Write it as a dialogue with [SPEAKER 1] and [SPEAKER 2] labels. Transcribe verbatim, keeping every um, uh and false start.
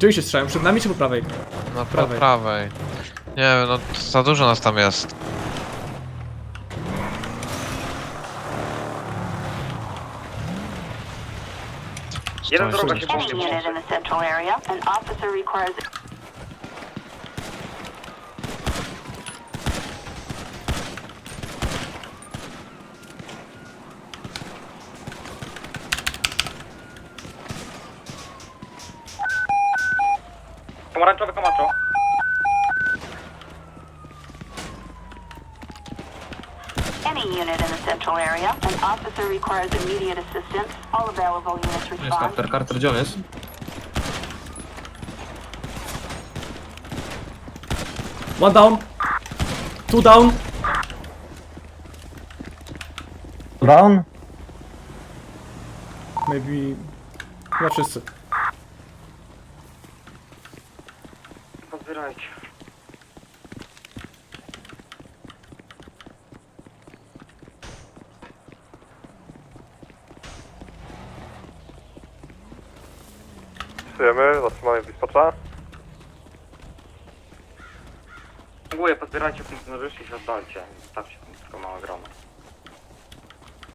[SPEAKER 1] Gdzie oni się strzelają? Przed nami czy po prawej?
[SPEAKER 2] Na
[SPEAKER 1] prawej.
[SPEAKER 2] prawej. prawej. Nie wiem, no za dużo nas tam jest.
[SPEAKER 3] Jeden
[SPEAKER 2] Stoi,
[SPEAKER 3] droga się
[SPEAKER 2] stoi.
[SPEAKER 3] po mnie
[SPEAKER 4] Any unit in the central area, an officer requires
[SPEAKER 3] Pomarańczowy Camacho.
[SPEAKER 4] any unit in the central area, an officer requires immediate assistance. All available units
[SPEAKER 5] Jest
[SPEAKER 4] respond.
[SPEAKER 5] Carter, Carter, gdzie on jest?
[SPEAKER 1] One down. Two down.
[SPEAKER 6] Down?
[SPEAKER 1] Maybe... Chyba wszyscy.
[SPEAKER 3] Pozbierajcie.
[SPEAKER 7] Wpisujemy, zatrzymamy dispatcha.
[SPEAKER 3] Dziękuję, pozbierajcie funkcjonariuszy i się oddalcie. Zostawcie tam tylko małe grono.